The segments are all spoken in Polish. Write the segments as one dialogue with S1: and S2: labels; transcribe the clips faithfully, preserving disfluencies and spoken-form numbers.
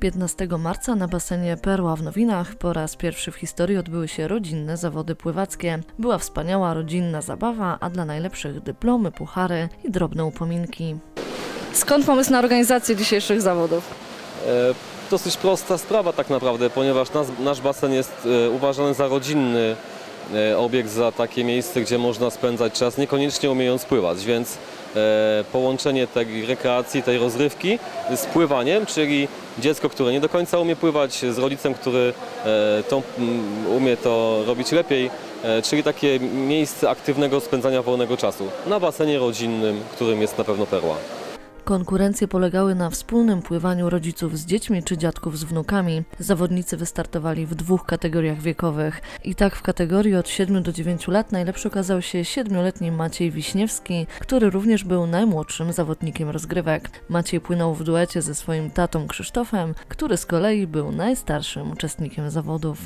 S1: piętnastego marca na basenie Perła w Nowinach po raz pierwszy w historii odbyły się rodzinne zawody pływackie. Była wspaniała rodzinna zabawa, a dla najlepszych dyplomy, puchary i drobne upominki. Skąd pomysł na organizację dzisiejszych zawodów?
S2: E, dosyć prosta sprawa tak naprawdę, ponieważ nas, nasz basen jest e, uważany za rodzinny e, obiekt, za takie miejsce, gdzie można spędzać czas, niekoniecznie umiejąc pływać, więc e, połączenie tej rekreacji, tej rozrywki z pływaniem, czyli dziecko, które nie do końca umie pływać, z rodzicem, który e, to, um, umie to robić lepiej, e, czyli takie miejsce aktywnego spędzania wolnego czasu na basenie rodzinnym, którym jest na pewno Perła.
S1: Konkurencje polegały na wspólnym pływaniu rodziców z dziećmi czy dziadków z wnukami. Zawodnicy wystartowali w dwóch kategoriach wiekowych. I tak w kategorii od siedmiu do dziewięciu lat najlepszy okazał się siedmioletni Maciej Wiśniewski, który również był najmłodszym zawodnikiem rozgrywek. Maciej płynął w duecie ze swoim tatą Krzysztofem, który z kolei był najstarszym uczestnikiem zawodów.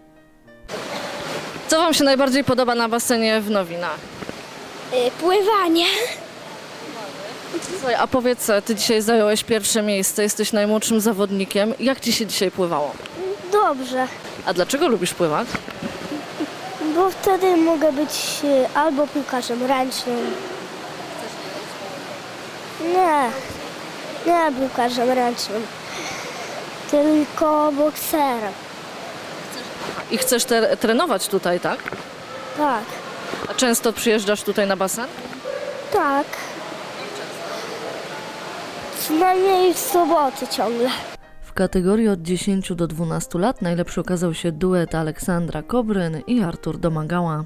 S1: Co Wam się najbardziej podoba na basenie w Nowinach?
S3: Y, Pływanie.
S1: Słuchaj, a powiedz, Ty dzisiaj zająłeś pierwsze miejsce, jesteś najmłodszym zawodnikiem. Jak Ci się dzisiaj pływało?
S3: Dobrze,
S1: A dlaczego lubisz pływać?
S3: bo wtedy mogę być y, albo piłkarzem ręcznym. Nie, nie piłkarzem ręcznym, tylko bokserem.
S1: I chcesz te- trenować tutaj, tak?
S3: Tak,
S1: A często przyjeżdżasz tutaj na basen?
S3: tak. Przynajmniej w soboty ciągle.
S1: W kategorii od dziesięciu do dwunastu lat najlepszy okazał się duet Aleksandra Kobryn i Artur Domagała.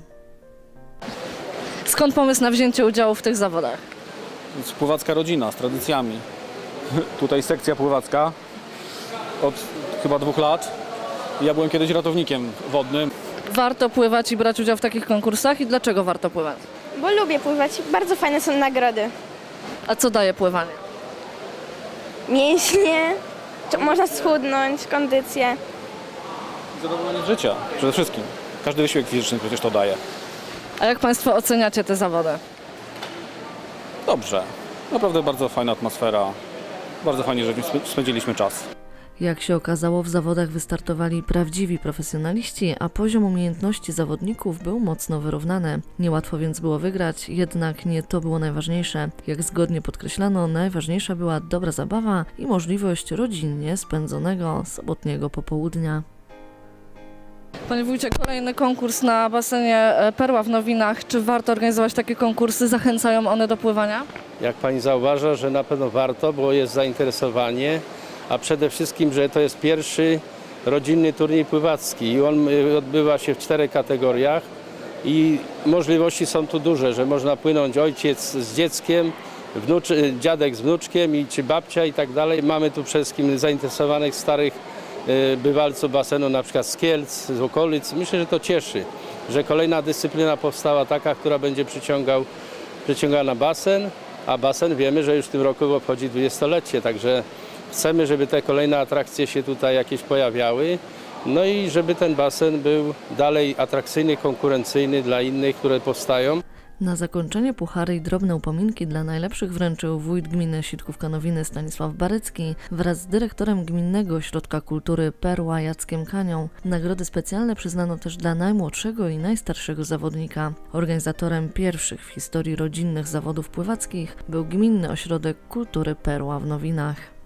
S1: Skąd pomysł na wzięcie udziału w tych zawodach?
S4: Jest pływacka rodzina z tradycjami. Tutaj sekcja pływacka od chyba dwóch lat. Ja byłem kiedyś ratownikiem wodnym.
S1: Warto pływać i brać udział w takich konkursach i dlaczego warto pływać?
S5: Bo lubię pływać, bardzo fajne są nagrody.
S1: A co daje pływanie?
S5: Mięśnie, czy można schudnąć, kondycję.
S4: Zadowolenie z życia przede wszystkim. Każdy wysiłek fizyczny przecież to daje.
S1: A jak Państwo oceniacie te zawody?
S4: Dobrze. Naprawdę bardzo fajna atmosfera. Bardzo fajnie, że spędziliśmy czas.
S1: Jak się okazało, w zawodach wystartowali prawdziwi profesjonaliści, a poziom umiejętności zawodników był mocno wyrównany. Niełatwo więc było wygrać, jednak nie to było najważniejsze. Jak zgodnie podkreślano, najważniejsza była dobra zabawa i możliwość rodzinnie spędzonego sobotniego popołudnia. Panie wójcie, kolejny konkurs na basenie Perła w Nowinach. Czy warto organizować takie konkursy? Zachęcają one do pływania?
S6: Jak pani zauważa, że na pewno warto, bo jest zainteresowanie, a przede wszystkim, że to jest pierwszy rodzinny turniej pływacki i on odbywa się w czterech kategoriach i możliwości są tu duże, że można płynąć ojciec z dzieckiem, wnuczy, dziadek z wnuczkiem i czy babcia i tak dalej. Mamy tu przede wszystkim zainteresowanych starych y, bywalców basenu, na przykład z Kielc, z okolic. Myślę, że to cieszy, że kolejna dyscyplina powstała taka, która będzie przyciągał, przyciągała na basen, a basen wiemy, że już w tym roku obchodzi dwudziestolecie, także chcemy, żeby te kolejne atrakcje się tutaj jakieś pojawiały, no i żeby ten basen był dalej atrakcyjny, konkurencyjny dla innych, które powstają.
S1: Na zakończenie puchary i drobne upominki dla najlepszych wręczył wójt gminy Sitkówka-Nowiny Stanisław Barycki wraz z dyrektorem Gminnego Ośrodka Kultury Perła Jackiem Kanią. Nagrody specjalne przyznano też dla najmłodszego i najstarszego zawodnika. Organizatorem pierwszych w historii rodzinnych zawodów pływackich był Gminny Ośrodek Kultury Perła w Nowinach.